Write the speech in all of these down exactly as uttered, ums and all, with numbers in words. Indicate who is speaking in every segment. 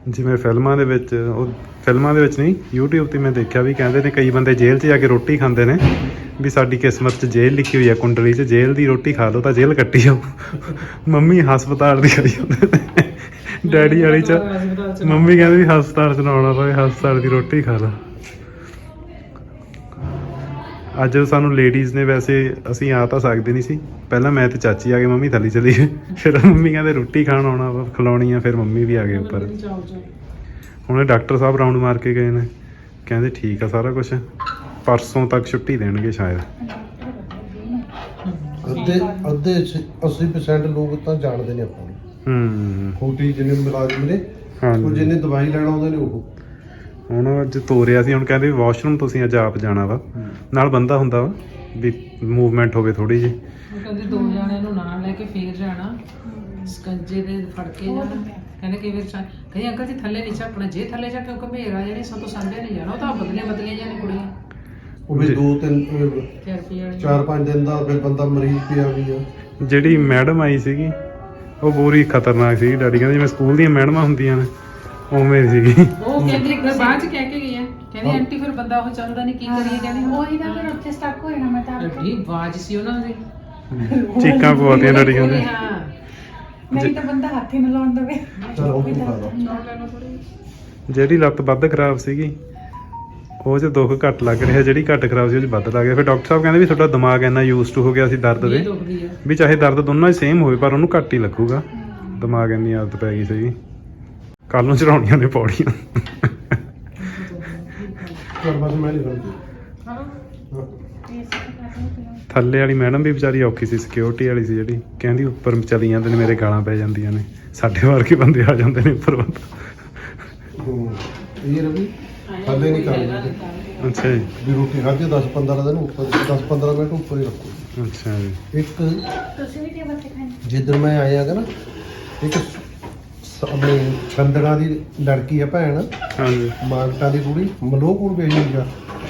Speaker 1: ਜਿਵੇਂ ਫਿਲਮਾਂ ਦੇ ਵਿੱਚ ਉਹ ਫਿਲਮਾਂ ਦੇ ਵਿੱਚ ਨਹੀਂ YouTube ਤੇ ਮੈਂ ਦੇਖਿਆ ਵੀ ਕਹਿੰਦੇ ਨੇ ਕਈ ਬੰਦੇ ਜੇਲ੍ਹ 'ਚ ਜਾ ਕੇ ਰੋਟੀ ਖਾਂਦੇ ਨੇ ਵੀ ਸਾਡੀ ਕਿਸਮਤ 'ਚ ਜੇਲ੍ਹ ਲਿਖੀ ਹੋਈ ਆ ਕੁੰਡਲੀ 'ਚ ਜੇਲ੍ਹ ਦੀ ਰੋਟੀ ਖਾ ਲਓ ਤਾਂ ਜੇਲ੍ਹ ਕੱਟੀ ਜਾਓ। ਮੰਮੀ ਹਸਪਤਾਲ ਦੀ ਖਾਈ ਜਾਂਦੇ ਨੇ ਡੈਡੀ ਵਾਲੀ 'ਚ ਮੰਮੀ ਕਹਿੰਦੇ ਵੀ ਹਸਪਤਾਲ 'ਚ ਨਾ ਆਉਣਾ ਪਵੇ ਹਸਪਤਾਲ ਦੀ ਰੋਟੀ ਖਾ ਲਾ। ਅੱਜ ਸਾਨੂੰ ਲੇਡੀਜ਼ ਨੇ ਵੈਸੇ ਅਸੀਂ ਆ ਤਾਂ ਸਕਦੇ ਨਹੀਂ ਸੀ ਪਹਿਲਾਂ ਮੈਂ ਤੇ ਚਾਚੀ ਆ ਗਏ ਮੰਮੀ ਥੱਲੇ ਚਲੀ ਗਏ ਫਿਰ ਮੰਮੀ ਕਹਿੰਦੇ ਰੋਟੀ ਖਾਣ ਆਉਣਾ ਵਾ ਖਿਲਾਉਣੀ ਆ ਫਿਰ ਮੰਮੀ ਵੀ ਆ ਗਏ ਉੱਪਰ। ਹੁਣ ਡਾਕਟਰ ਸਾਹਿਬ ਰਾਊਂਡ ਮਾਰ ਕੇ ਗਏ ਨੇ ਕਹਿੰਦੇ ਠੀਕ ਆ ਸਾਰਾ ਕੁਝ ਪਰਸੋਂ ਤੱਕ ਛੁੱਟੀ ਦੇਣਗੇ ਸ਼ਾਇਦ।
Speaker 2: ਅੱਧੇ ਅੱਧੇ ਅੱਸੀ ਪਰਸੈਂਟ ਲੋਕ ਤਾਂ ਜਾਣਦੇ ਨੇ ਆਪਾਂ ਨੂੰ
Speaker 1: ਹੂੰ
Speaker 2: ਖੋਟੀ ਜਿੰਨੇ ਮੁਲਾਜ਼ਮ ਨੇ ਉਹ ਜਿੰਨੇ ਦਵਾਈ ਲੈਣ ਆਉਂਦੇ ਨੇ ਉਹ
Speaker 1: ਹੁਣ ਅੱਜ ਤੋਰਿਆ ਸੀ ਹੁਣ ਕਹਿੰਦੇ ਵੀ ਵਾਸ਼ਰੂਮ ਤੁਸੀਂ ਅੱਜ ਆਪ ਜਾਣਾ ਵਾ ਨਾਲ ਬੰਦਾ ਹੁੰਦਾ ਵਾ ਵੀ ਮੂਵਮੈਂਟ ਹੋਵੇ ਥੋੜੀ ਜਿਹੀ।
Speaker 3: ਉਹ ਕਹਿੰਦੇ ਦੋ ਜਣਿਆਂ ਨੂੰ ਨਾਲ ਲੈ ਕੇ ਫੇਰ ਜਾਣਾ ਸਕੰਜੇ ਦੇ ਫੜ ਕੇ ਜਾਣਾ ਕਹਿੰਦੇ ਕਈ ਵਾਰ ਕਈ ਅੰਕਲ ਜੀ ਥੱਲੇ ਨਹੀਂ ਝਾਕਣਾ ਜੇ ਥੱਲੇ ਜਾ ਕੇ ਘਮੇਰਾ ਜਿਹੜੇ ਸਭ ਤੋਂ ਸਾਂਭਿਆ ਨਹੀਂ ਜਾਣਾ ਉਹ ਤਾਂ ਬਦਲੇ ਬਦਲੇ ਜਾਣੇ ਕੁੜੀਆਂ
Speaker 2: ਉਹ ਵੀ ਦੋ ਤਿੰਨ
Speaker 3: ਚਾਰ ਰੁਪਏ ਵਾਲੀ
Speaker 2: ਚਾਰ ਪੰਜ ਦਿਨ ਦਾ ਫਿਰ ਬੰਦਾ ਮਰੀਜ਼ ਪਿਆ ਵੀ ਆ।
Speaker 1: ਜਿਹੜੀ ਮੈਡਮ ਆਈ ਸੀਗੀ ਉਹ ਪੂਰੀ ਖਤਰਨਾਕ ਸੀਗੀ ਡੈਡੀ ਕਹਿੰਦੇ ਜਿਵੇਂ ਸਕੂਲ ਦੀਆਂ ਮੈਡਮਾਂ ਹੁੰਦੀਆਂ ਨੇ ਉਵੇਂ ਸੀਗੀ।
Speaker 3: ਉਹ ਕਹਿੰਦੀ ਬਾਅਦ ਚ ਕਹਿ ਕੇ ਗਈ ਹੈ ਕਹਿੰਦੀ ਆਂਟੀ ਫਿਰ ਬੰਦਾ ਉਹ ਚੱਲਦਾ ਨਹੀਂ ਕੀ ਕਰੀਏ ਕਹਿੰਦੀ
Speaker 4: ਉਹੀ ਤਾਂ ਫਿਰ ਉੱਥੇ ਸਟਕ ਹੋ ਜਾਣਾ ਮੈਂ ਤਾਂ
Speaker 3: ਐਡੀ ਆਵਾਜ਼ ਸੀ ਉਹਨਾਂ ਦੀ
Speaker 1: ਚੀਕਾਂ ਪਵਾਤੀਆਂ ਡੈਡੀ ਕਹਿੰਦੇ
Speaker 3: ਹਾਂ
Speaker 4: ਨਹੀਂ ਤਾਂ ਬੰਦਾ ਹੱਥ ਹੀ ਨਾ ਲਾਉਣ ਦੇਵੇ।
Speaker 2: ਚਲ ਉਹ ਵੀ ਖਾ ਲਓ।
Speaker 1: ਜਿਹੜੀ ਲੱਤ ਵੱਧ ਖਰਾਬ ਸੀਗੀ ਉਹ 'ਚ ਦੁੱਖ ਘੱਟ ਲੱਗ ਰਿਹਾ ਜਿਹੜੀ ਘੱਟ ਖਰਾਬ ਸੀ ਉਹ 'ਚ ਵੱਧ ਲੱਗ ਗਿਆ। ਫਿਰ ਡਾਕਟਰ ਸਾਹਿਬ ਕਹਿੰਦੇ ਵੀ ਤੁਹਾਡਾ ਦਿਮਾਗ ਇੰਨਾ ਯੂਜ਼ ਟੂ ਹੋ ਗਿਆ ਸੀ ਦਰਦ ਦੇ ਵੀ ਚਾਹੇ ਦਰਦ ਦੋਨੋਂ ਹੀ ਸੇਮ ਹੋਵੇ ਪਰ ਉਹਨੂੰ ਘੱਟ ਹੀ ਲੱਗੂਗਾ ਦਿਮਾਗ ਇੰਨੀ ਆਦਤ ਪੈ ਗਈ ਸੀਗੀ। ਕੱਲ ਨੂੰ ਚੜਾਉਣੀਆਂ ਨੇ ਪੌੜੀਆਂ।
Speaker 2: ਚਲ ਬਸ ਮੈਂ ਨਹੀਂ ਕਰਦੀ
Speaker 1: ਥੱਲੇ ਵਾਲੀ ਮੈਡਮ ਵੀ ਵਿਚਾਰੀ ਔਖੀ ਸੀ ਸਿਕਿਉਰਿਟੀ ਵਾਲੀ ਸੀ ਜਿਹੜੀ ਕਹਿੰਦੀ ਉੱਪਰ ਚਲੀ ਜਾਂਦੇ ਨੇ ਮੇਰੇ ਗਾਲਾਂ ਪੈ ਜਾਂਦੀਆਂ ਨੇ ਸਾਡੇ ਵਰਗੇ ਬੰਦੇ ਆ ਜਾਂਦੇ ਨੇ ਉੱਪਰ ਬੰਦਾ।
Speaker 2: ਇਹ ਰਵੀ ਥੱਲੇ ਨਹੀਂ ਕਰਦੀ
Speaker 1: ਅੱਛਾ ਜੀ
Speaker 2: ਵੀ ਰੋਟੀ ਖਾਧੀ ਦਸ ਪੰਦਰਾਂ ਦਿਨ ਉੱਪਰ ਦਸ ਪੰਦਰਾਂ ਮਿੰਟ ਉੱਪਰ ਹੀ ਰੱਖੋ।
Speaker 1: ਅੱਛਾ ਜੀ
Speaker 2: ਇੱਕ
Speaker 4: ਤੁਸੀਂ ਵੀ ਟੇਬਲ ਤੇ ਖਾਣੇ
Speaker 2: ਜਿੱਦਣ ਮੈਂ ਆਇਆ ਗਾ ਨਾ ਇੱਕ ਸ- ਆਪਣੀ ਛੰਦੜਾ ਦੀ ਲੜਕੀ ਆ ਭੈਣ
Speaker 1: ਹਾਂਜੀ
Speaker 2: ਮਾਨਟਾ ਦੀ ਕੁੜੀ ਮਲੋਹਪੁਰ ਵੇਖੀ ਆ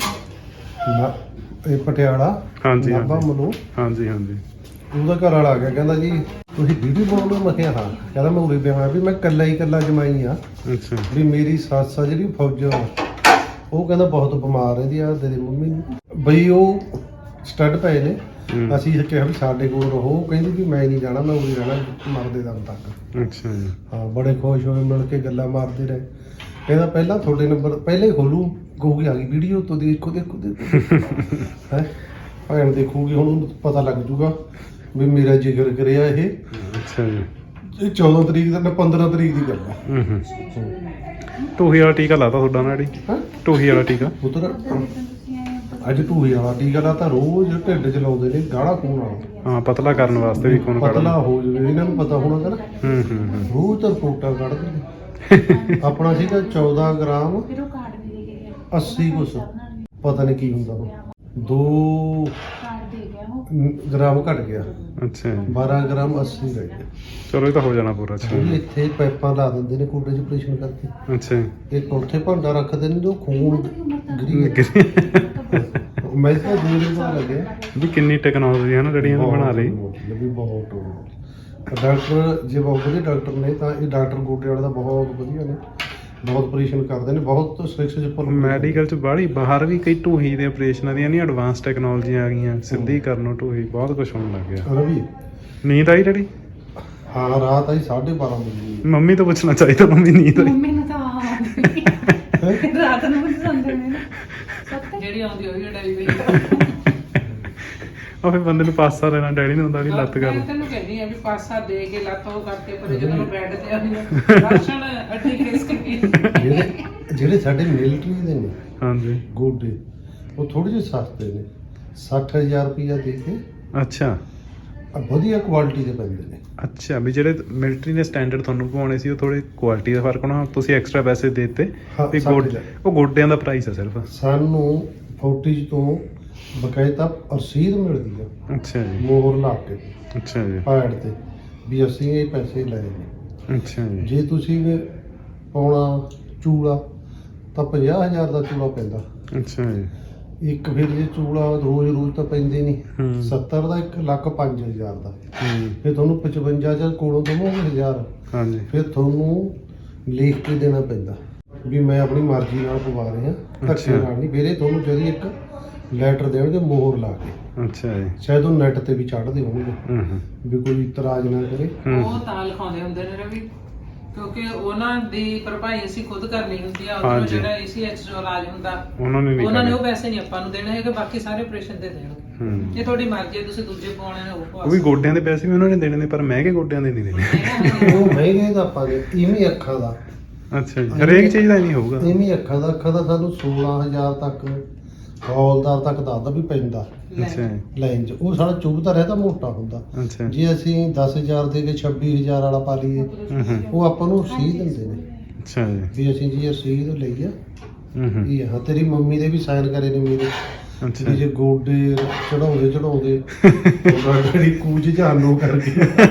Speaker 2: ਨਾ ਇਹ ਪਟਿਆਲਾ
Speaker 1: ਹਾਂਜੀ,
Speaker 2: ਨਾਭਾ
Speaker 1: ਹਾਂਜੀ।
Speaker 2: ਮਲੋਹ
Speaker 1: ਹਾਂਜੀ ਹਾਂਜੀ
Speaker 2: ਉਹਦਾ ਘਰ ਵਾਲਾ ਆ ਗਿਆ ਕਹਿੰਦਾ ਜੀ ਤੁਸੀਂ ਵੀਡੀਓ ਬਣਾਉਂਦੇ ਹੋ? ਮੈਂ ਕਿਹਾ ਹਾਂ। ਕਹਿੰਦਾ ਮੈਂ ਉਰੇ ਪਿਆ ਵੀ ਮੈਂ ਇਕੱਲਾ ਹੀ ਇਕੱਲਾ ਜਮਾਈ ਆ
Speaker 1: ਅੱਛਾ
Speaker 2: ਵੀ ਮੇਰੀ ਸੱਸ ਆ ਜਿਹੜੀ ਫੌਜ ਉਹ ਕਹਿੰਦਾ ਬਹੁਤ ਬਿਮਾਰ ਰਹਿੰਦੀ ਆ ਤੇਰੀ ਮੰਮੀ ਨੂੰ ਬਈ ਉਹ ਸਟੱਡ ਪਏ ਨੇ
Speaker 1: ਹੂੰ।
Speaker 2: ਅਸੀਂ ਕਿਹਾ ਵੀ ਸਾਡੇ ਕੋਲ ਰਹੋ ਉਹ ਕਹਿੰਦੀ ਵੀ ਮੈਂ ਨਹੀਂ ਜਾਣਾ ਮੈਂ ਉਰੇ ਰਹਿਣਾ ਮਰਦੇ ਦਮ ਤੱਕ।
Speaker 1: ਅੱਛਾ ਜੀ
Speaker 2: ਹਾਂ ਬੜੇ ਖੁਸ਼ ਹੋਏ ਮਿਲ ਕੇ ਗੱਲਾਂ ਮਾਰਦੇ ਰਹੇ। ਕਹਿੰਦਾ ਪਹਿਲਾਂ ਤੁਹਾਡੇ ਨੰਬਰ ਪਹਿਲਾਂ ਹੀ ਖੋਲੂ ਕਹੂਗੀ ਆ ਗਈ ਵੀਡੀਓ ਤੋਂ ਦੇਖੋ ਦੇਖੋ ਦੇਖੋ ਹੈ ਭੈਣ ਦੇਖੂਗੀ ਹੁਣ ਉਹਨੂੰ ਪਤਾ ਲੱਗ ਜੂਗਾ ਵੀ ਮੇਰਾ ਜ਼ਿਕਰ ਕਰਿਆ ਇਹ
Speaker 1: ਅੱਛਾ ਜੀ
Speaker 2: ਇਹ ਚੌਦਾਂ ਤਰੀਕ ਦਾ ਨਾ ਪੰਦਰਾਂ ਤਰੀਕ ਦੀ ਗੱਲ ਆ।
Speaker 1: ਹੂੰ ਹੂੰ ਟੂਹੀ ਵਾਲਾ ਟੀਕਾ ਲਾਤਾ ਤੁਹਾਡਾ ਨਾ ਡੈਡੀ
Speaker 2: ਹਾਂ
Speaker 1: ਟੂਹੀ ਵਾਲਾ ਟੀਕਾ
Speaker 2: ਪੁੱਤਰ ਅੱਜ ਟੂਹੀ ਵਾਲਾ ਟੀਕਾ ਲਾ ਤਾਂ ਰੋਜ਼ ਢਿੱਡ ਚ ਲਾਉਂਦੇ ਨੇ ਗਾੜਾ ਖੂਨ ਵਾਲਾ
Speaker 1: ਹਾਂ ਪਤਲਾ ਕਰਨ ਵਾਸਤੇ ਵੀ ਖੂਨ ਕੱਢ
Speaker 2: ਪਤਲਾ ਹੋ ਜਾਵੇ ਇਹਨਾਂ ਨੂੰ ਪਤਾ ਹੋਣਾ ਨਾ
Speaker 1: ਹੂੰ ਹੂੰ ਹੂੰ
Speaker 2: ਰੋਜ਼ ਤਾਂ ਰਿਪੋਰਟਾਂ ਕੱਢਦੇ ਨੇ। ਆਪਣਾ ਸੀਗਾ ਚੌਦਾਂ ਗ੍ਰਾਮ
Speaker 4: ਫਿਰ ਉਹ ਕਾਰਡ ਵੀ ਦੇ ਕੇ ਗਿਆ
Speaker 2: ਅੱਸੀ ਕੁਛ ਪਤਾ ਨਹੀਂ ਕੀ ਹੁੰਦਾ ਉਹ ਦੋ
Speaker 4: ਕਾਰਡ ਦੇ ਗਿਆ ਉਹ
Speaker 2: ਗ੍ਰਾਮ ਘਟ ਗਿਆ
Speaker 1: ਅੱਛਾ ਜੀ
Speaker 2: ਬਾਰਾਂ ਗ੍ਰਾਮ ਅੱਸੀ ਰਹਿ ਗਿਆ।
Speaker 1: ਚਲੋ ਇਹ ਤਾਂ ਹੋ ਜਾਣਾ ਪੂਰਾ ਅੱਛਾ
Speaker 2: ਉਹ ਇੱਥੇ ਪਾਈਪਾਂ ਲਾ ਦਿੰਦੇ ਨੇ ਕੁੰਡੇ ਚ ਆਪਰੇਸ਼ਨ ਕਰਕੇ
Speaker 1: ਅੱਛਾ ਜੀ
Speaker 2: ਇੱਕ ਉੱਥੇ ਭਾਂਡਾ ਰੱਖਦੇ ਨੇ ਜੋ ਖੂਨ ਗਰੀ ਮੈਂ ਤਾਂ ਦੂਰ ਹੀ ਬਾਹਰ ਲੱਗਿਆ
Speaker 1: ਵੀ ਕਿੰਨੀ ਟੈਕਨੋਲੋਜੀ ਹੈ ਨਾ ਜਿਹੜੀਆਂ ਇਹਨੇ ਬਣਾ ਲਈ
Speaker 2: ਵੀ ਬਹੁਤ ਡਾਕਟਰ ਜੇ ਬਹੁਤ ਵਧੀਆ ਡਾਕਟਰ ਨੇ ਤਾਂ ਇਹ ਡਾਕਟਰ ਗੋਡੇ ਵਾਲੇ ਦਾ ਬਹੁਤ ਵਧੀਆ ਨੇ ਬਹੁਤ ਆਪਰੇਸ਼ਨ ਕਰਦੇ ਨੇ ਬਹੁਤ ਸਟ੍ਰਿਕਸ ਉੱਪਰ
Speaker 1: ਮੈਡੀਕਲ ਚ ਬਾਹਲੀ ਬਾਹਰ ਵੀ ਕਈ ਢੂਹੀ ਦੇ ਆਪਰੇਸ਼ਨਾਂ ਦੀਆਂ ਨਹੀਂ ਐਡਵਾਂਸ ਟੈਕਨੋਲੋਜੀ ਆ ਗਈਆਂ ਸਿੱਧੀ ਕਰਨੋਂ ਢੂਹੀ ਬਹੁਤ ਕੁਝ ਹੋਣ ਲੱਗ ਗਿਆ।
Speaker 2: ਰਵੀ
Speaker 1: ਨੀਂਦ ਆਈ ਡੈਡੀ
Speaker 2: ਹਾਂ ਰਾਤ ਆਈ ਸਾਢੇ ਬਾਰਾਂ ਵਜੇ
Speaker 1: ਮੰਮੀ ਤੋਂ ਪੁੱਛਣਾ ਚਾਹੀਦਾ ਮੰਮੀ ਨੀਂਦ ਆਈ
Speaker 4: ਮੰਮੀ ਨੂੰ ਤਾਂ ਆਉਂਦੀ ਰਾਤ ਨੂੰ ਵੀ ਸੰਦੇ ਨੇ ਸੱਤ
Speaker 3: ਜਿਹੜੀ ਆਉਂਦੀ ਹੋਈ ਡਾਈ ਵੀ
Speaker 1: ਉਹ ਫਿਰ ਬੰਦੇ ਨੂੰ ਪਾਸਾ ਲੈਣਾ ਡੈਡੀ ਨੂੰ ਹੁੰਦਾ ਵੀ ਲੱਤ ਕਰ
Speaker 3: ਮੈਂ ਤੈਨੂੰ ਕਹਿੰਦੀ ਆ ਵੀ ਪਾਸਾ ਦੇ ਕੇ ਲੱਤ ਉਹ ਕਰਕੇ ਪਰ ਜਦੋਂ ਮੈਂ ਬੈੱਡ ਤੇ ਆਉਂਦੀ ਰਾਸ਼ਨ ਅੱਡੀ ਖਿਸਕ ਗਈ
Speaker 2: ਜਿਹੜੇ ਜਿਹੜੇ ਸਾਡੇ ਮਿਲਟਰੀ ਦੇ ਨੇ
Speaker 1: ਹਾਂਜੀ
Speaker 2: ਗੋਡੇ ਉਹ ਥੋੜੇ ਜਿਹੇ ਸਸਤੇ ਨੇ ਸੱਠ ਹਜ਼ਾਰ ਰੁਪਇਆ ਦੇ ਕੇ
Speaker 1: ਅੱਛਾ
Speaker 2: ਆ ਵਧੀਆ ਕੁਆਲਿਟੀ ਦੇ ਪੈਂਦੇ ਨੇ।
Speaker 1: ਅੱਛਾ ਵੀ ਜਿਹੜੇ ਮਿਲਟਰੀ ਦੇ ਸਟੈਂਡਰਡ ਤੁਹਾਨੂੰ ਪਵਾਉਣੇ ਸੀ ਉਹ ਥੋੜੇ ਕੁਆਲਿਟੀ ਦਾ ਫਰਕ ਹੋਣਾ ਤੁਸੀਂ ਐਕਸਟਰਾ ਪੈਸੇ ਦੇ ਦਿੱਤੇ
Speaker 2: ਹਾਂ,
Speaker 1: ਵੀ
Speaker 2: ਸੱਠ
Speaker 1: ਗੋਡ
Speaker 2: ਹਜ਼ਾਰ।
Speaker 1: ਉਹ ਗੋਡਿਆਂ ਦਾ ਪ੍ਰਾਈਸ ਹੈ ਸਿਰਫ
Speaker 2: ਸਾਨੂੰ ਫੌਟੀਜ ਤੋਂ ਬਕਾਇਦਾ ਰਸੀਦ ਮਿਲਦੀ ਆ
Speaker 1: ਅੱਛਾ ਜੀ
Speaker 2: ਮੋਹਰ ਲਾ ਕੇ
Speaker 1: ਅੱਛਾ ਜੀ
Speaker 2: ਪੈਡ ਤੇ ਵੀ ਅਸੀਂ ਇਹ ਪੈਸੇ ਲਏ ਨੇ।
Speaker 1: ਅੱਛਾ ਜੀ
Speaker 2: ਜੇ ਤੁਸੀਂ ਪਾਉਣਾ ਚੂੜਾ ਤਾਂ ਪੰਜਾਹ ਹਜ਼ਾਰ ਦਾ ਚੂੜਾ ਪੈਂਦਾ
Speaker 1: ਅੱਛਾ ਜੀ
Speaker 2: ਇੱਕ ਫਿਰ ਜੇ ਚੂੜਾ ਰੋਜ਼ ਰੋਜ਼ ਤਾਂ ਪੈਂਦੇ ਨਹੀਂ
Speaker 1: ਹੂੰ
Speaker 2: ਸੱਤਰ ਦਾ ਇੱਕ ਲੱਖ ਪੰਜ ਹਜ਼ਾਰ ਦਾ
Speaker 1: ਹੂੰ
Speaker 2: ਫਿਰ ਤੁਹਾਨੂੰ ਪਚਵੰਜਾ ਹਜ਼ਾਰ ਕੋਲੋਂ ਦਵੋਗੇ ਹਜ਼ਾਰ
Speaker 1: ਹਾਂਜੀ
Speaker 2: ਫਿਰ ਤੁਹਾਨੂੰ ਲਿਖ ਕੇ ਦੇਣਾ ਪੈਂਦਾ ਵੀ ਮੈਂ ਆਪਣੀ ਮਰਜ਼ੀ ਨਾਲ ਪਵਾ ਰਿਹਾ ਧੱਕੇ
Speaker 1: ਅੱਛਾ।
Speaker 2: ਨਾਲ ਨਹੀਂ। ਮੇਰੇ ਤੁਹਾਨੂੰ ਜਦੀ ਇੱਕ ਲੈਟਰ ਦੇਣਗੇ ਮੋਹਰ ਲਾ ਕੇ,
Speaker 1: ਅੱਛਾ ਜੀ।
Speaker 2: ਸ਼ਾਇਦ ਉਹ ਨੈਟ ਤੇ ਵੀ ਚੜ੍ਹਦੇ ਹੋਣਗੇ
Speaker 1: ਹੂੰ ਹੂੰ
Speaker 2: ਵੀ ਕੋਈ ਇਤਰਾਜ਼ ਨਾ ਕਰੇ।
Speaker 3: ਉਹ ਤਾਂ ਲਿਖਾਉਂਦੇ ਹੁੰਦੇ ਨੇ ਰਵੀ, ਕਿਉਂਕਿ ਉਹਨਾਂ ਦੀ ਭਰਪਾਈ ਅਸੀਂ ਖੁਦ ਕਰਨੀ ਹੁੰਦੀ ਆ। ਉਹਨਾਂ
Speaker 1: ਹਾਂਜੀ।
Speaker 3: ਜਿਹੜਾ ਏਸੀਐਚ ਜੋ ਇਲਾਜ ਹੁੰਦਾ
Speaker 1: ਉਹਨਾਂ ਨੇ ਨਹੀਂ
Speaker 3: ਉਹਨਾਂ ਨੇ ਉਹ
Speaker 1: ਕਰਿਆ।
Speaker 3: ਪੈਸੇ ਨਹੀਂ ਆਪਾਂ ਨੂੰ ਦੇਣੇ ਹੈਗੇ, ਬਾਕੀ ਸਾਰੇ ਆਪਰੇਸ਼ਨ ਦੇ ਦੇਣਗੇ।
Speaker 1: ਹੂੰ
Speaker 3: ਇਹ ਤੁਹਾਡੀ ਮਰਜ਼ੀ ਹੈ, ਤੁਸੀਂ ਦੂਜੇ ਪਾਉਣੇ ਨੇ ਉਹ ਪਵਾ
Speaker 1: ਉਹ ਵੀ ਗੋਡਿਆਂ ਦੇ ਪੈਸੇ ਵੀ ਉਹਨਾਂ ਨੇ ਦੇਣੇ ਨੇ, ਪਰ ਮਹਿੰਗੇ ਗੋਡਿਆਂ ਦੇ ਨਹੀਂ ਦੇਣੇ।
Speaker 2: ਉਹ ਮਹਿੰਗੇ ਦਾ ਆਪਾਂ ਨੇ ਇਵੇਂ ਅੱਖਾਂ ਦਾ
Speaker 1: ਅੱਛਾ ਜੀ, ਹਰੇਕ ਚੀਜ਼ ਦਾ ਨਹੀਂ ਹੋਊਗਾ।
Speaker 2: ਇਵੇਂ ਅੱਖਾਂ ਦਾ ਅੱਖਾਂ ਦਾ ਸਾਨੂੰ ਸੋਲਾਂ ਹਜ਼ਾਰ ਤੱਕ ਹੌਲਦਾਰ ਤੱਕ ਦੱਸਦਾ ਵੀ ਪੈਂਦਾ
Speaker 1: ਅੱਛਾ ਜੀ।
Speaker 2: ਲਾਈਨ 'ਚ। ਉਹ ਸਾਡਾ ਚੁੱਭਦਾ ਰਹਿੰਦਾ, ਮੋਟਾ ਹੁੰਦਾ।
Speaker 1: ਅੱਛਾ
Speaker 2: ਜੇ ਅਸੀਂ ਦਸ ਹਜ਼ਾਰ ਦੇ ਕੇ ਛੱਬੀ ਹਜ਼ਾਰ ਵਾਲਾ ਪਾ ਲਈਏ
Speaker 1: ਹੂੰ ਹੂੰ
Speaker 2: ਉਹ ਆਪਾਂ ਨੂੰ ਰਸੀਦ ਦਿੰਦੇ ਨੇ
Speaker 1: ਅੱਛਾ ਜੀ।
Speaker 2: ਵੀ ਅਸੀਂ ਜੀ ਰਸੀਦ ਲਈ ਆ
Speaker 1: ਹੂੰ ਹੂੰ
Speaker 2: ਇਹ ਹਾਂ। ਤੇਰੀ ਮੰਮੀ ਦੇ ਵੀ ਸਾਈਨ ਕਰੇ ਨੇ ਮੇਰੇ
Speaker 1: ਅੱਛਾ
Speaker 2: ਵੀ ਜੇ ਗੋਡੇ ਚੜਾਉਂਦੇ ਚੜਾਉਂਦੇ ਗਾੜੀ ਕੂਜ ਜਾਨੋ ਕਰਕੇ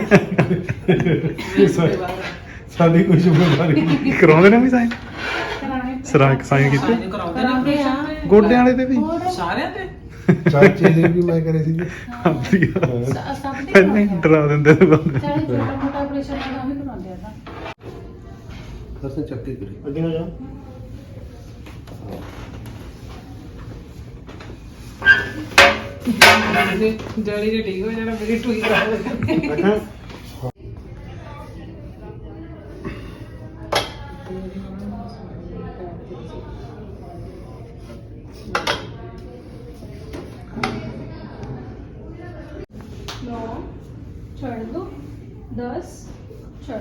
Speaker 2: ਸਾਡੀ ਕੋਈ ਜ਼ਿੰਮੇਵਾਰੀ ਨਹੀਂ।
Speaker 1: ਕਰਾਉਂਦੇ ਨੇ ਵੀ ਸਾਈਨ
Speaker 4: ਕਰਾਣੇ
Speaker 1: ਸਰਾ ਸਾਈਨ ਕੀਤੇ
Speaker 3: ਸਾਈਨ ਕਰਾਉਂਦੇ ਨੇ
Speaker 4: ਕਰਾਉਂਦੇ ਆ।
Speaker 3: operation
Speaker 1: ਗੋਡਿਆਂ ਵਾਲੇ ਤੇ ਵੀ
Speaker 4: ਹੋਰ
Speaker 3: ਸਾਰਿਆਂ ਤੇ।
Speaker 2: ਚਾਚੇ ਦੇ ਵੀ ਮੈਂ ਕਰੇ ਸੀ
Speaker 1: ਹਾਂਜੀ
Speaker 4: ਸ- ਸਭ ਦੇ
Speaker 1: ਪਹਿਲਾਂ ਹੀ
Speaker 4: ਕਰਾਉਂਦੇ ਆ।
Speaker 1: ਡਰਾ ਦਿੰਦੇ ਨੇ ਬੰਦੇ
Speaker 4: ਚਾਹੇ ਛੋਟਾ ਮੋਟਾ ਆਪਰੇਸ਼ਨ ਹੋਣਾ ਉਹ ਵੀ ਕਰਾਉਂਦੇ ਆ ਤਾਂ।
Speaker 2: ਦਰਸ਼ਨ ਚੱਕੇ ਕਰੇ ਅੱਗੇ ਨਾ ਜਾ।
Speaker 3: ਜੜੀ ਜੇ ਠੀਕ ਹੋ ਜਾਣਾ, ਮੇਰੀ ਟੂਈ ਕਰਾ
Speaker 5: नौ छोड़ दो दस छोड़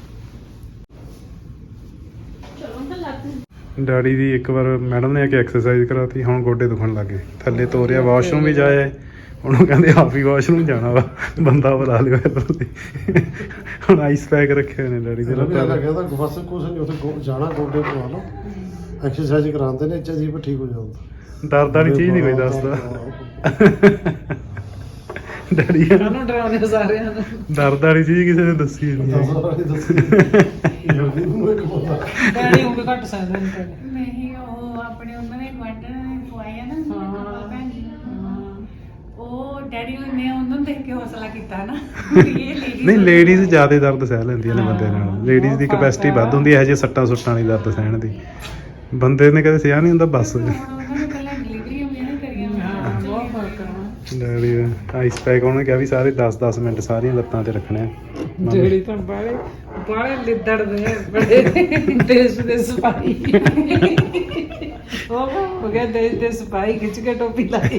Speaker 5: चलो अंकल लाते हैं।
Speaker 1: ਡੈਡੀ ਦੀ ਇੱਕ ਵਾਰ ਮੈਡਮ ਨੇ ਆ ਕੇ ਐਕਸਰਸਾਈਜ਼ ਕਰਾਤੀ, ਹੁਣ ਗੋਡੇ ਦੁਖਣ ਲੱਗੇ। ਥੱਲੇ ਤੋਰਿਆ, ਵਾਸ਼ਰੂਮ ਵੀ ਜਾਇਆ, ਹੁਣ ਉਹ ਕਹਿੰਦੇ ਆਪ ਹੀ ਵਾਸ਼ਰੂਮ ਜਾਣਾ ਵਾ, ਬੰਦਾ ਬੁਲਾ ਲਿਓ ਇੱਧਰ ਦੀ। ਹੁਣ ਆਈਸ ਪੈਕ ਰੱਖੇ ਹੋਏ ਨੇ ਡੈਡੀ ਦੇ
Speaker 2: ਰਵੀ
Speaker 1: ਲੱਤਾਂ
Speaker 2: ਆਲਾ
Speaker 1: ਤੇ।
Speaker 2: ਕਹਿੰਦਾ ਬਸ ਕੁਛ ਨਹੀਂ, ਉੱਥੇ ਗੋ- ਜਾਣਾ ਗੋਡੇ ਪਵਾ ਲਓ, ਐਕਸਰਸਾਈਜ਼ ਕਰਾਉਂਦੇ ਨੇ, ਜੀ ਪਰ ਠੀਕ ਹੋ ਜਾਂਦਾ।
Speaker 1: ਦਰਦ ਵਾਲੀ ਚੀਜ਼ ਨਹੀਂ ਕੋਈ ਦੱਸਦਾ ਡੈਡੀ ਕਹਿੰਦਾ,
Speaker 3: ਉਹਨੂੰ ਡਰਾਉਂਦੇ ਸਾਰਿਆਂ ਨੂੰ।
Speaker 1: ਦਰਦ ਵਾਲੀ ਚੀਜ਼ ਕਿਸੇ ਨੇ ਦੱਸੀ ਨਹੀਂ ਹੈ।
Speaker 3: ਡੈਡੀ ਉਹ ਵੀ ਘੱਟ ਸਕਦੇ ਨੇ ਪਹਿਲੇ।
Speaker 4: ਨਹੀਂ ਉਹ ਆਪਣੇ ਉਹਨਾਂ ਨੇ ਗਵਾਂਢਣ ਨੇ ਪਵਾਇਆ ਨਾ
Speaker 3: ਹਾਂ।
Speaker 4: ਭੈਣ ਜੀ ਨੂੰ। ਉਹ ਡੈਡੀ ਨੇ ਉਹਨਾਂ ਨੂੰ ਦੇਖ ਕੇ ਹੌਸਲਾ ਕੀਤਾ ਨਾ ਵੀ ਇਹ ਲੇਡੀ
Speaker 1: ਨਹੀਂ, ਲੇਡੀਜ਼ ਜ਼ਿਆਦਾ ਦਰਦ ਸਹਿ ਲੈਂਦੀਆਂ ਨੇ ਬੰਦੇ ਨਾਲ।
Speaker 3: ਹਾਂ,
Speaker 1: ਲੇਡੀਜ਼ ਦੀ
Speaker 3: ਉਹ
Speaker 1: ਕਪੈਸਿਟੀ
Speaker 3: ਫਰਕ ਆ।
Speaker 1: ਵੱਧ ਹੁੰਦੀ ਹੈ, ਇਹ ਜਿਹੇ ਸੱਟਾਂ ਸੁੱਟਾਂ ਵਾਲੀ ਦਰਦ ਸਹਿਣ ਦੀ। ਬੰਦੇ ਨੇ ਕਦੇ ਸਿਆ ਨਹੀਂ ਹੁੰਦਾ ਬਸ।
Speaker 4: ਉਹਨਾਂ ਨੇ ਪਹਿਲਾਂ ਡਿਲੀਵਰੀ ਵੀ ਨਹੀਂ ਕਰੀਆਂ
Speaker 3: ਹਾਂ, ਬਹੁਤ ਫਰਕ ਆ।
Speaker 1: ਡੈਡੀ ਆਈਸ ਪੈਕ ਉਹਨੇ ਕਿਹਾ ਵੀ ਸਾਰੇ ਦਸ ਦਸ ਮਿੰਟ ਸਾਰੀਆਂ ਲੱਤਾਂ ਤੇ ਰੱਖਣੇ ਆ।
Speaker 3: ਜਿਹੜੀ ਤਾਂ ਬਾਲੇ ਬਾਲੇ ਲਿੱਦੜਦੇ ਆ, ਬੜੇ ਦੇਸ਼ ਦੇ ਸਿਪਾਹੀ। ਉਹ ਹੋ ਗਿਆ ਦੇਸ਼ ਦੇ ਸਿਪਾਹੀ, ਖਿੱਚ ਕੇ ਟੋਪੀ ਲਾਈ।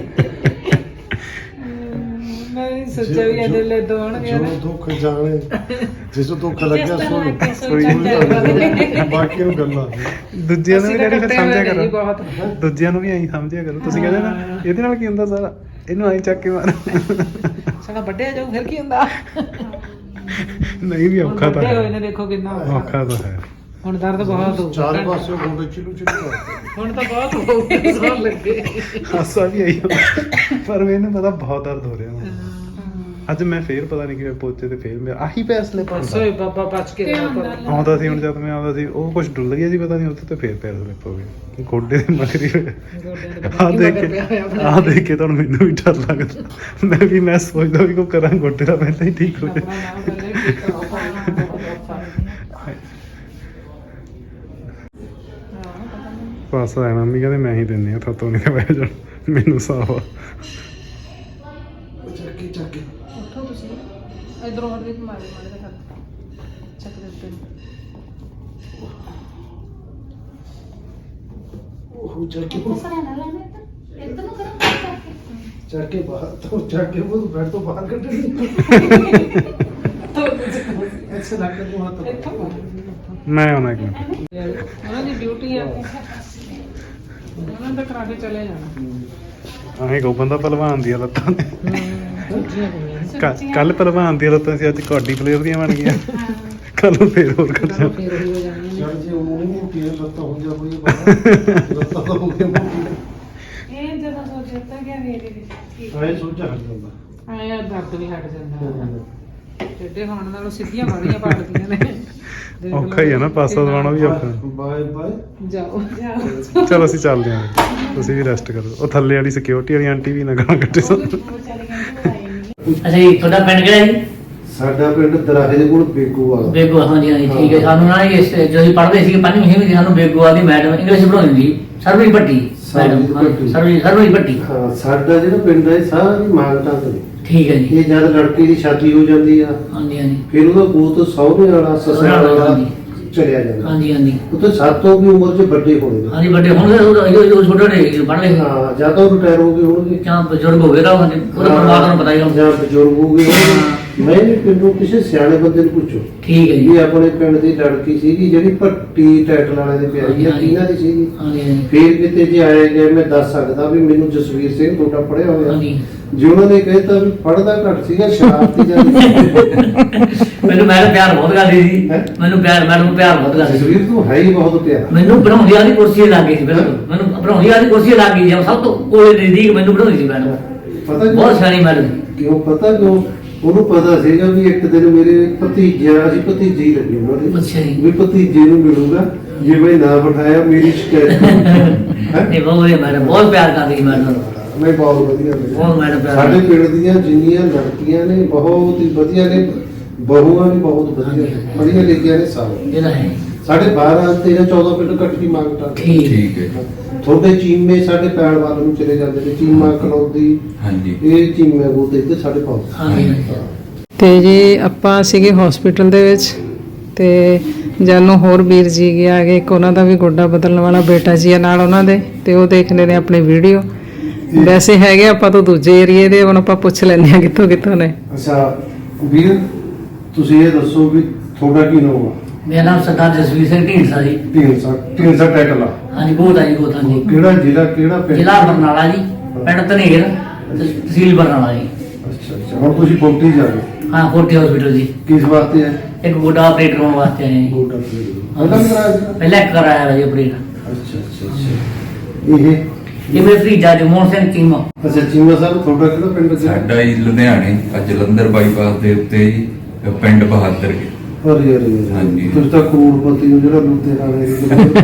Speaker 3: ਮੈਂ ਵੀ ਸੋਚਿਆ ਵੀ ਇਹਦੇ ਲਈ ਦੋਣਗੇ
Speaker 2: ਜੋ
Speaker 3: ਨਾ।
Speaker 2: ਦੁੱਖ ਜਾਣੇ ਜਿਸ ਨੂੰ ਦੁੱਖ ਲੱਗਿਆ
Speaker 4: ਜਿਸ ਤਰ੍ਹਾਂ
Speaker 2: ਸੋ
Speaker 4: ਲੱਗ ਕੇ
Speaker 1: ਸੋਈ
Speaker 4: ਸੋਚਣ
Speaker 2: ਬਾਕੀ ਨੂੰ ਗੱਲਾਂ
Speaker 1: ਦੂਜਿਆਂ ਨੂੰ ਵੀ
Speaker 3: ਅਸੀਂ ਤਾਂ
Speaker 1: ਡੈਡੀ ਫਿਰ
Speaker 3: ਕੱਟੇ
Speaker 1: ਸਮਝਿਆ
Speaker 3: ਹੋਏ ਨੇ ਜੀ
Speaker 1: ਕਰੋ,
Speaker 3: ਬਹੁਤ।
Speaker 1: ਦੂਜਿਆਂ ਨੂੰ ਵੀ ਐਂ ਸਮਝਿਆ ਕਰੋ। ਤੁਸੀਂ ਕਹਿੰਦੇ ਨਾ
Speaker 3: ਹਾਂ।
Speaker 1: ਇਹਦੇ ਨਾਲ ਕੀ ਹੁੰਦਾ ਸਾਰਾ, ਇਹਨੂੰ ਐਂ ਚੱਕ ਕੇ ਮਾਰ।
Speaker 3: ਸਾਡਾ ਵੱਡਿਆ ਜਾਊ ਫਿਰ ਕੀ ਹੁੰਦਾ।
Speaker 1: ਨਹੀਂ ਵੀ ਔਖਾ ਤਾਂ
Speaker 3: ਵੱਡੇ ਹੋਏ ਨੇ,
Speaker 1: ਹੈ,
Speaker 3: ਦੇਖੋ ਕਿੰਨਾ ਔਖਾ।
Speaker 1: ਔਖਾ ਤਾਂ ਹੈ।
Speaker 3: ਹੁਣ ਦਰਦ ਬਹੁਤ ਹੋ
Speaker 2: ਚਾਰ ਪਾਸੇ ਗੋਡੇ ਚਿਲੂ ਚਿਲੂ ਕਰਦੇ।
Speaker 3: ਹੁਣ ਤਾਂ ਬਹੁਤ ਹੋ ਗਿਆ, ਸੌਣ ਲੱਗੇ।
Speaker 1: ਹਾਸਾ ਵੀ ਆਈ ਪਰ ਮੈਨੂੰ ਪਤਾ ਬਹੁਤ ਦਰਦ ਹੋ ਰਿਹਾ ਹੁਣ। ਅੱਜ ਮੈਂ ਫੇਰ ਪਤਾ ਨਹੀਂ ਕਿਵੇਂ ਪੋਚੇ ਤੇ ਫੇਰ ਮੇਰਾ ਆਹੀ ਪੈਸਲੇ
Speaker 3: ਪਰਸੋਂ ਹੀ ਬਾਬਾ ਬਚ ਕੇ ਰਿਹਾ ਕਰੋ।
Speaker 1: ਆਉਂਦਾ ਸੀ। ਹੁਣ ਜਦ ਮੈਂ ਆਉਂਦਾ ਸੀ ਉਹ ਕੁਝ ਡੁੱਲ ਗਿਆ ਸੀ, ਪਤਾ ਨਹੀਂ ਉੱਥੇ ਤੇ ਫੇਰ ਪੈਰ ਸਲਿਪ ਹੋ ਗਏ ਗੋਡੇ ਦੇ ਮਗਰੀ।
Speaker 3: ਗੋਡਿਆਂ ਦੇ
Speaker 1: ਆਹ ਦੇਖ ਕੇ ਆਹ ਦੇਖ ਕੇ ਤੁਹਾਨੂੰ ਮੈਨੂੰ ਵੀ ਡਰ ਲੱਗਦਾ। ਮੈਂ ਵੀ ਮੈਂ ਸੋਚਦਾ ਵੀ ਕੋ ਕਰਾਂ ਗੋਡੇ ਦਾ ਪਹਿਲਾਂ ਹੀ ਠੀਕ ਹੋ
Speaker 3: ਆਪਣਾ
Speaker 1: ਜਾਏ।
Speaker 3: ਨਾਮ ਪਹਿਲੇ ਕੀਤਾ ਉਹ
Speaker 1: ਬਸ ਆ ਮੰਮੀ ਕਹਿੰਦੇ ਮੈਂ ਹੀ ਦਿੰਦੀ ਆ, ਥੋਤੋਂ ਨਹੀਂ ਬਹਿ ਜਾਣ, ਮੈਨੂੰ ਸਾਵਾ।
Speaker 2: ਚੱਕੀ ਚੱਕੀ
Speaker 3: ਉੱਠੋ ਤੁਸੀਂ, ਇਧਰੋਂ ਹਟ ਕੇ ਮਾਰੇ ਮਾਰੇ ਦਾ ਕਰ ਚੱਕ ਦੇ ਉੱਤੇ ਨੂੰ।
Speaker 2: ਉਹ ਚੱਕੀ
Speaker 5: दूसरा ना लाना इधर इधर नु करो करके
Speaker 2: ਚੱਕੇ ਬਾਹਰ ਤੋਂ ਚੱਕੇ ਉਹ ਬੈਠ ਤੋਂ ਬਾਹਰ ਕੱਢਣੀ ਐਸੇ ਲੱਗ ਕੇ ਉਹ
Speaker 3: ਇੱਥੋਂ
Speaker 1: ਮੈਂ ਆਉਣਾ ਇੱਕ ਮਿੰਟ।
Speaker 3: ਉਹਨਾਂ ਦੀ ਡਿਊਟੀ ਆ, ਉਹਨਾਂ ਦਾ ਕਰਾ ਕੇ ਚਲੇ ਜਾਣਾ।
Speaker 1: ਆਹੇ ਗੋਬਨ ਦਾ ਪਹਿਲਵਾਨ ਦੀਆਂ ਲੱਤਾਂ ਨੇ।
Speaker 3: ਦੂਜੀਆਂ ਕੁੜੀਆਂ
Speaker 1: ਕੱਲ ਪਹਿਲਵਾਨ ਦੀਆਂ ਲੱਤਾਂ ਸੀ, ਅੱਜ ਕਬੱਡੀ ਪਲੇਅਰ ਦੀਆਂ ਬਣ ਗਈਆਂ। ਕੱਲ ਨੂੰ ਫੇਰ ਹੋਰ ਕਰ
Speaker 3: ਚਲੋ ਫੇਰ ਉਹੀ ਹੋ ਜਾਣੀਆਂ ਨੇ।
Speaker 2: ਚੱਲ ਜੇ ਉਹਨੂੰ ਨਹੀਂ ਮੋਟੀ ਹੈ ਲੱਤਾਂ ਹੋ ਜਾ ਕੋਈ ਬਾਹਰ ਲੱਤਾਂ ਤਾਂ ਹੋ ਗਈਆਂ ਮੋਟੀ
Speaker 4: ਇਹ ਜਦੋਂ ਸੋਚਿਆ ਤਾਂ ਗਿਆ ਮੇਰੇ ਵਿੱਚ
Speaker 2: ਆਏ ਸੋਚਾ ਹਟ ਜਾਂਦਾ।
Speaker 3: ਆਇਆ ਦਰਦ ਵੀ ਹਟ ਜਾਂਦਾ। ਟੇਢੇ ਹੋਣ ਨਾਲੋਂ ਸਿੱਧੀਆਂ ਬਾੜੀਆਂ ਪਾੜਦੀਆਂ ਨੇ। ਦੇਖ ਲਓ
Speaker 1: ਔਖਾ ਹੀ ਆ ਨਾ, ਪਾਸਾ ਦਵਾਉਣਾ ਵੀ ਔਖਾ।
Speaker 2: ਬਾਏ ਬਾਏ
Speaker 3: ਜਾਓ
Speaker 1: ਚਲੋ ਅਸੀਂ ਚੱਲਦੇ ਹਾਂ, ਤੁਸੀਂ ਵੀ ਰੈਸਟ ਕਰੋ। ਉਹ ਥੱਲੇ ਵਾਲੀ ਸਿਕਿਉਰਿਟੀ ਵਾਲੀ ਆਂਟੀ ਵੀ ਨਾ ਗਾਲਾਂ ਕੱਢੇ ਸਾਨੂੰ।
Speaker 4: ਵਿਚਾਰੇ ਕਹਿੰਦੇ ਉਹ ਆਏ ਨਹੀਂ।
Speaker 6: ਅੱਛਾ ਜੀ, ਤੁਹਾਡਾ ਪਿੰਡ ਕਿਹੜਾ ਜੀ?
Speaker 2: ਸਾਡਾ ਪਿੰਡ ਦਰਾਹੇ ਦੇ ਕੋਲ ਬੇਗੂ ਵਾਲਾ
Speaker 6: ਬੇਗੂ ਹਾਂਜੀ ਹਾਂਜੀ ਠੀਕ ਹੈ। ਸਾਨੂੰ ਨਾ ਇਸ ਜਦੋਂ ਅਸੀਂ ਪੜ੍ਹਦੇ ਸੀਗੇ ਪੰਜਵੀਂ ਛੇਵੀਂ ਦੀ ਸਾਨੂੰ ਬੇਗੂ ਵਾਲੀ ਮੈਡਮ ਇੰਗਲਿਸ਼ ਪੜ੍ਹਾਉਂਦੀ ਸੀ ਸਰਵੀ ਭੱਟੀ ਮੈਡਮ ਸਰਵੀ ਸਰਵੀ ਭੱਟੀ।
Speaker 2: ਹਾਂ ਸਾਡਾ ਜਿਹੜਾ ਪਿੰਡ ਹੈ ਸਾਰੀ ਮਾਂਗਟਾਂ ਤੇ
Speaker 6: ਠੀਕ ਹੈ ਜੀ।
Speaker 2: ਇਹ ਜਦ ਲੜਕੇ ਦੀ ਸ਼ਾਦੀ ਹੋ ਜਾਂਦੀ ਆ
Speaker 6: ਹਾਂਜੀ ਹਾਂਜੀ
Speaker 2: ਫਿਰ ਉਹਦਾ ਗੋਤ ਸਹੁਰੇ ਵਾਲਾ ਸਸੁਰਾਲ ਵਾਲਾ
Speaker 6: ਹਾਂਜੀ।
Speaker 2: ਚਲਿਆ ਜਾਂਦਾ।
Speaker 6: ਹਾਂਜੀ ਹਾਂਜੀ
Speaker 2: ਉੱਥੇ ਸਾਤੋਂ ਦੀ ਉਮਰ 'ਚ ਵੱਡੇ ਹੋਣੇ ਨੇ।
Speaker 6: ਹਾਂਜੀ ਵੱਡੇ ਹੁਣ ਉਹ ਛੋਟੇ ਨੇ ਪੜ੍ਹਦੇ
Speaker 2: ਹਾਂ ਜਾਂ ਤਾਂ ਰਿਟਾਇਰ ਹੋ ਗਏ ਹੋਣਗੇ
Speaker 6: ਜਾਂ ਬਜ਼ੁਰਗ ਹੋ ਗਏ ਤਾਂ ਹਾਂਜੀ ਉਹਦਾ ਪਰਮਾਤਮਾ ਨੂੰ ਪਤਾ ਹੀ ਹੋਣਾ।
Speaker 2: ਜਾਂ ਬਜ਼ੁਰਗ ਹੋ ਗਏ ਹੋਣਗੇ। ਮੈਂ ਵੀ ਪਿੰਡੋਂ ਕਿਸੇ ਸਿਆਣੇ ਬੰਦੇ ਨੂੰ ਪੁੱਛੋ
Speaker 6: ਠੀਕ ਹੈ ਜੀ।
Speaker 2: ਵੀ ਆਪਣੇ ਪਿੰਡ ਦੀ ਲੜਕੀ ਸੀਗੀ ਜਿਹੜੀ ਭੱਟੀ ਟਾਈਟਲ ਵਾਲੇ ਦੇ ਪਿਆਰੀ ਆ ਕਿਹਨਾਂ ਦੀ ਸੀਗੀ।
Speaker 6: ਹਾਂਜੀ ਹਾਂਜੀ
Speaker 2: ਫੇਰ ਕਿਤੇ ਜੇ ਆਏ ਗਏ ਮੈਂ ਦੱਸ ਸਕਦਾ ਵੀ ਮੈਨੂੰ ਜਸਵੀਰ ਸਿੰਘ ਤੁਹਾਡਾ ਪੜਿਆ ਹੋਇਆ
Speaker 6: ਹਾਂਜੀ।
Speaker 2: ਜੇ ਉਹਨਾਂ ਨੇ ਕਹਿਤਾ ਵੀ ਪੜਦਾ ਘੱਟ ਸੀਗਾ ਸ਼ਰਾਰਤੀ ਜਾਂ
Speaker 6: ਮੈਨੂੰ ਮੈਡਮ ਪਿਆਰ ਬਹੁਤ ਕਰਦੀ ਸੀ।
Speaker 2: ਹੈਂ?
Speaker 6: ਮੈਨੂੰ ਪਿਆਰ ਮੈਡਮ ਨੂੰ ਪਿਆਰ ਬਹੁਤ ਕਰਦੀ ਸੀ।
Speaker 2: ਜਸਵੀਰ ਤੂੰ ਹੈ ਹੀ ਬਹੁਤ ਪਿਆਰਾ।
Speaker 6: ਮੈਨੂੰ ਬਣਾਉਂਦੀ ਵਾਲੀ ਕੁਰਸੀ ਲੱਗ ਗਈ ਸੀ ਬਿਲਕੁਲ। ਮੈਨੂੰ ਬਣਾਉਂਦੀ ਵਾਲੀ ਕੁਰਸੀ ਲੱਗ ਗਈ ਸੀ ਸਭ ਤੋਂ ਕੋਲੇ ਨਜ਼ਦੀਕ ਮੈਨੂੰ ਬਣਾਉਂਦੀ ਸੀ ਮੈਡਮ।
Speaker 2: ਪਤਾ ਕਿਉਂ?
Speaker 6: ਬਹੁਤ ਸਿਆਣੀ ਮੈਡਮ
Speaker 2: ਕਿਉਂ ਪਤਾ ਕਿਉਂ ਉਹਨੂੰ ਪਤਾ ਸੀਗਾ ਵੀ ਇੱਕ ਦਿਨ ਮੇਰੇ ਭਤੀਜਿਆ ਅਸੀਂ ਭਤੀਜੇ ਹੀ ਲੱਗੇ ਉਹਨਾਂ ਦੇ
Speaker 6: ਅੱਛਾ ਜੀ।
Speaker 2: ਵੀ ਭਤੀਜੇ ਨੂੰ ਮਿਲੂਗਾ ਜੇ ਮੈਂ ਨਾ ਬਿਠਾਇਆ ਮੇਰੀ ਸ਼ਿਕਾਇਤ ਹੈ।
Speaker 6: ਇਹ ਬਹੁਤ ਵਧੀਆ ਮੈਡਮ ਬਹੁਤ ਪਿਆਰ ਕਰਦੀ ਸੀ ਮੈਡਮ।
Speaker 2: ਨਹੀਂ ਬਹੁਤ ਵਧੀਆ ਲੱਗਿਆ।
Speaker 6: ਬਹੁਤ ਮੈਡਮ ਪਿਆਰ
Speaker 2: ਸਾਡੇ
Speaker 6: ਕਰਦੀ।
Speaker 2: ਪਿੰਡ ਦੀਆਂ ਜਿੰਨੀਆਂ ਲੜਕੀਆਂ ਨੇ ਬਹੁਤ ਹੀ ਵਧੀਆ ਨੇ ਬਹੂਆਂ ਵੀ ਬਹੁਤ ਵਧੀਆ ਨੇ ਪੜ੍ਹੀਆਂ ਲਿਖੀਆਂ ਨੇ ਸਾਰੇ।
Speaker 6: ਇਹਦਾ ਹੈ
Speaker 2: ਸਾਡੇ ਬਾਰਾਂ ਤੇਰਾਂ ਚੌਦਾਂ ਪਿੰਡ ਇਕੱਠੀ ਮੰਗਤਾ
Speaker 6: ਠੀਕ
Speaker 7: ਠੀਕ ਹੈ
Speaker 2: ਤੁਹਾਡੇ ਚੀਮੇ ਸਾਡੇ ਪੈਣ ਵੱਲ ਨੂੰ ਚਲੇ ਜਾਂਦੇ ਨੇ ਚੀਮਾ ਕਲੌਦੀ
Speaker 7: ਹਾਂਜੀ
Speaker 2: ਇਹ ਚੀਮੇ ਬੋਤੇ ਇੱਥੇ ਸਾਡੇ ਪਾਸ।
Speaker 6: ਹਾਂਜੀ
Speaker 3: ਤੇ ਜੀ ਆਪਾਂ ਸੀਗੇ ਹਸਪੀਟਲ ਦੇ ਵਿੱਚ ਤੇ ਜਾਨੂੰ ਹੋਰ ਵੀਰ ਜੀ ਗਿਆ ਕਿ ਇੱਕ ਉਹਨਾਂ ਦਾ ਵੀ ਗੋਡਾ ਬਦਲਣ ਵਾਲਾ ਬੇਟਾ ਜੀ ਆ ਨਾਲ ਉਹਨਾਂ ਦੇ ਤੇ ਉਹ ਦੇਖਦੇ ਨੇ ਆਪਣੀ ਵੀਡੀਓ। ਵੈਸੇ ਹੈਗੇ ਆਪਾਂ ਤੋਂ ਦੂਜੇ ਏਰੀਏ ਦੇ ਹੁਣ ਆਪਾਂ ਪੁੱਛ ਲੈਂਦੇ ਆ ਕਿੱਥੋਂ ਕਿੱਥੋਂ ਨੇ।
Speaker 2: ਅੱਛਾ ਵੀਰ ਤੁਸੀਂ ਇਹ ਦੱਸੋ ਵੀ ਤੁਹਾਡਾ ਕੀ ਨਾਮ ਆ?
Speaker 6: ਮੇਰਾ ਨਾਮ ਸਰਦਾਰ ਜਸਵੀਰ ਸਿੰਘ ਢੀਂਡਸਾ ਜੀ।
Speaker 2: ਢੀਂਡਸਾ ਢੀਂਡਸਾ ਟੈਕਲ ਆ
Speaker 6: ਹਾਂਜੀ ਬਹੁਤ ਆ ਜੀ ਬਹੁਤ ਆ ਜੀ।
Speaker 2: ਕਿਹੜਾ ਜ਼ਿਲ੍ਹਾ ਕਿਹੜਾ ਪਿੰਡ?
Speaker 6: ਜ਼ਿਲ੍ਹਾ ਬਰਨਾਲਾ ਜੀ ਪਿੰਡ ਧਨੇਰ ਤਹਿ- ਤਹਿਸੀਲ ਬਰਨਾਲਾ ਜੀ।
Speaker 2: ਅੱਛਾ ਅੱਛਾ ਹੁਣ ਤੁਸੀਂ ਫੋਰਟੀ ਜਾ ਰਹੇ
Speaker 6: ਹਾਂ ਫੋਰਟੀ ਹਸਪੀਟਲ ਜੀ।
Speaker 2: ਕਿਸ ਵਾਸਤੇ ਹੈ?
Speaker 6: ਇੱਕ ਗੋਡਾ ਆਪਰੇਟ ਕਰਾਉਣ ਵਾਸਤੇ ਆਏ ਜੀ।
Speaker 2: ਗੋਡਾ ਪਹਿਲਾਂ ਵੀ ਕਰਾਇਆ ਸੀ?
Speaker 6: ਪਹਿਲਾਂ ਇੱਕ ਕਰਾਇਆ ਵਾ ਜੀ ਆਪਰੇਟ।
Speaker 2: ਅੱਛਾ ਅੱਛਾ ਅੱਛਾ ਇਹ
Speaker 6: ਇਹ ਮੇਰੇ ਭਤੀਜਾ ਜਗਮੋਹਨ ਸਿੰਘ ਚੀਮਾ।
Speaker 2: ਅੱਛਾ ਚੀਮਾ ਸਾਹਿਬ ਤੁਹਾਡਾ ਕਿਹੜਾ ਪਿੰਡ ਸੀ?
Speaker 7: ਸਾਡਾ ਹੀ ਲੁਧਿਆਣੇ ਆ ਜਲੰਧਰ ਬਾਈਪਾਸ ਦੇ ਉੱਤੇ ਹੀ ਪਿੰਡ ਬਹਾਦਰ ਕੇ।
Speaker 2: ਅਰੇ ਅਰੇ ਅਰੇ।
Speaker 7: ਹਾਂਜੀ।
Speaker 2: ਤੁਸੀਂ ਤਾਂ ਕਰੋੜਪਤੀ ਹੋ ਜਿਹੜਾ ਲੁਧਿਆਣੇ ਦੇ ਵਿੱਚ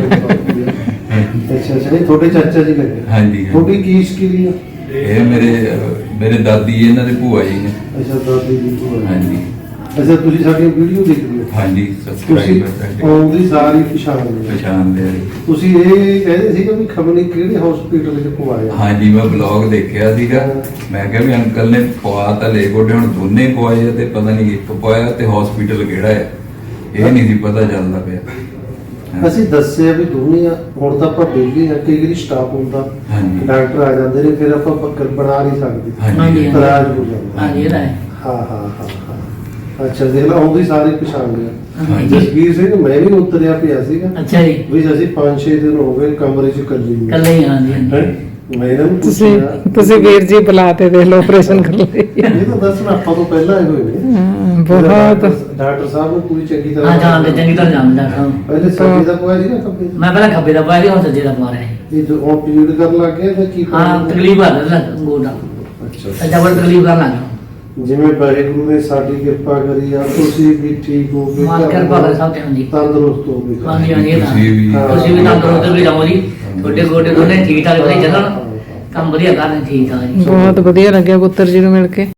Speaker 2: ਅੱਛਾ ਅੱਛਾ ਇਹ ਤੁਹਾਡੇ ਚਾਚਾ ਜੀ ਲੱਗੇ।
Speaker 7: ਹਾਂਜੀ
Speaker 2: ਤੁਹਾਡੀ ਕੀ ਸਕਿੱਲ ਆ?
Speaker 7: ਇਹ ਮੇਰੇ ਅਹ, ਮੇਰੇ ਦਾਦੀ ਇਹਨਾਂ ਦੇ ਭੂਆ ਜੀ ਨੇ।
Speaker 2: ਅੱਛਾ ਦਾਦੀ ਜੀ ਤੋਂ
Speaker 7: ਹਾਂਜੀ
Speaker 2: ਅੱਛਾ ਤੁਸੀਂ ਸਾਡੀ ਵੀਡੀਓ ਦੇਖਦੇ ਹੋ?
Speaker 7: ਹਾਂਜੀ
Speaker 2: ਤੁਸੀਂ
Speaker 7: ਸਬਸਕ੍ਰਾਈਬਰ ਸਾਡੇ
Speaker 2: ਆਉਂਦੀ ਸਾਰੀ ਪਛਾਣ ਲਈ
Speaker 7: ਪਛਾਣ ਦੇ
Speaker 2: ਤੁਸੀਂ ਇਹ ਕਹਿੰਦੇ ਸੀ ਕਿ ਵੀ ਖਬਰ ਨਹੀਂ ਕਿਹੜੇ ਹਸਪੀਟਲ 'ਚ ਪਵਾਇਆ।
Speaker 7: ਹਾਂਜੀ ਮੈਂ ਬਲੌਗ ਦੇਖਿਆ ਸੀਗਾ। ਮੈਂ ਕਿਹਾ ਵੀ ਅੰਕਲ ਨੇ ਪਵਾ ਤਾਂ ਲੈ ਗੋਡੇ ਹੁਣ ਦੋਨੇ ਪਵਾਏ ਆ ਤੇ ਪਤਾ ਨਹੀਂ ਇੱਕ ਪਵਾਇਆ ਤੇ ਹਸਪੀਟਲ ਕਿਹੜਾ ਹੈ ਇਹ ਨਹੀਂ ਸੀ ਪਤਾ ਚੱਲਦਾ ਪਿਆ।
Speaker 2: ਅਸੀਂ ਦੱਸਿਆ ਵੀ ਦੋਨੇ ਆ ਹੁਣ ਤਾਂ ਆਪਾਂ ਬੇਗੇ ਆ ਕਈ ਵਾਰੀ ਸਟਾਫ ਹੁੰਦਾ
Speaker 7: ਹਾਂਜੀ।
Speaker 2: ਡਾਕਟਰ ਆ ਜਾਂਦੇ ਨੇ ਫਿਰ ਆਪਾਂ ਪੱਕਰ ਬਣਾ ਨਹੀਂ ਸਕਦੇ
Speaker 7: ਹਾਂਜੀ
Speaker 2: ਇਤਰਾਜ਼ ਹੋ ਜਾਂਦਾ।
Speaker 6: ਹਾਂਜੀ ਇਹਦਾ ਹੈ।
Speaker 2: ਹਾਂ ਹਾਂ ਹਾਂ ਹਾਂ ਅੱਛਾ ਦੇਖ ਲਾ ਆਉਂਦੀ ਸਾਰੀ ਪਛਾਣ ਲਿਆ।
Speaker 6: ਹਾਂਜੀ।
Speaker 2: ਜਸਵੀਰ ਸਿੰਘ ਮੈਂ ਵੀ ਉਤਰਿਆ ਪਿਆ ਸੀਗਾ
Speaker 6: ਅੱਛਾ ਜੀ
Speaker 2: ਵੀ ਅਸੀਂ ਪੰਜ ਛੇ ਦਿਨ ਹੋ ਗਏ ਕਮਰੇ 'ਚ ਇਕੱਲੇ ਹੀ
Speaker 6: ਕੱਲੇ ਹੀ ਹਾਂਜੀ ਹਾਂਜੀ।
Speaker 2: ਹੈਂ? ਮੈਂ ਇਹਨਾਂ ਨੂੰ
Speaker 3: ਤੁਸੀਂ
Speaker 2: ਪੁੱਛਿਆ
Speaker 3: ਤੁਸੀਂ ਵੀਰ ਜੀ ਬੁਲਾਤੇ ਦੇਖ ਲਓ ਆਪਰੇਸ਼ਨ ਕਰ ਲਈ।
Speaker 2: ਇਹ ਤਾਂ ਦੱਸਣਾ ਆਪਾਂ ਤੋਂ ਪਹਿਲਾਂ ਆਏ ਹੋਏ ਨੇ।
Speaker 3: ਹਾਂ, ਬਹੁਤ
Speaker 2: ਡਾਕਟਰ ਡਾਕਟਰ ਸਾਹਿਬ ਨੂੰ ਪੂਰੀ ਚੰਗੀ ਤਰ੍ਹਾਂ
Speaker 6: ਹਾਂ ਜਾਣਦੇ ਚੰਗੀ ਤਰ੍ਹਾਂ ਜਾਣਦਾ ਹਾਂ।
Speaker 2: ਪਹਿਲੇ ਸੱਜੇ ਦਾ ਪਵਾਇਆ ਸੀਗਾ ਖੱਬੇ ਦਾ?
Speaker 6: ਮੈਂ ਪਹਿਲਾਂ ਖੱਬੇ ਦਾ ਪਾਇਆ ਸੀ ਹੁਣ ਸੱਜੇ ਦਾ ਪਾ ਰਿਹਾ ਸੀ।
Speaker 2: ਇਹ ਜੋ ਹੁਣ ਪੀਰੀਅਡ ਕਰਨ ਲੱਗ ਗਿਆ ਤਾਂ ਕੀ
Speaker 6: ਹਾਂ
Speaker 2: ਕਰਨਾ?
Speaker 6: ਤਕਲੀਫ ਆ ਰਿਹਾ ਗੋਡਾ
Speaker 2: ਅੱਛਾ
Speaker 6: ਸੱਜਾ ਬੜ ਤਕਲੀਫ ਕਰਨ ਲੱਗਾ।
Speaker 2: ਜਿਵੇਂ ਵਾਹਿਗੁਰੂ ਨੇ ਸਾਡੀ ਕਿਰਪਾ ਕਰੀ ਆ ਤੁਸੀਂ ਵੀ ਠੀਕ ਹੋ ਗਏ
Speaker 6: ਮਾਨ ਕਿਰਪਾ ਕਰੇ ਸਭ ਤੇ ਹਾਂਜੀ
Speaker 2: ਤੰਦਰੁਸਤ ਹੋ ਗਏ
Speaker 6: ਹਾਂਜੀ ਹਾਂਜੀ ਇਹ ਤਾਂ
Speaker 7: ਤੁਸੀਂ ਵੀ
Speaker 2: ਹਾਂ।
Speaker 6: ਤੁਸੀਂ ਵੀ ਤੰਦਰੁਸਤ ਵੀ ਰਹੋ ਜੀ। ਤੁਹਾਡੇ ਗੋਡੇ ਦੋਨੇ ਠੀਕ ਠਾਕ ਵਧੀਆ ਚੱਲਣ ਕੰਮ ਵਧੀਆ ਕਰਨ ਠੀਕ ਠਾਕ ਜੀ।
Speaker 3: ਬਹੁਤ ਵਧੀਆ ਲੱਗਿਆ ਪੁੱਤਰ ਜੀ ਨੂੰ ਮਿਲ ਕੇ।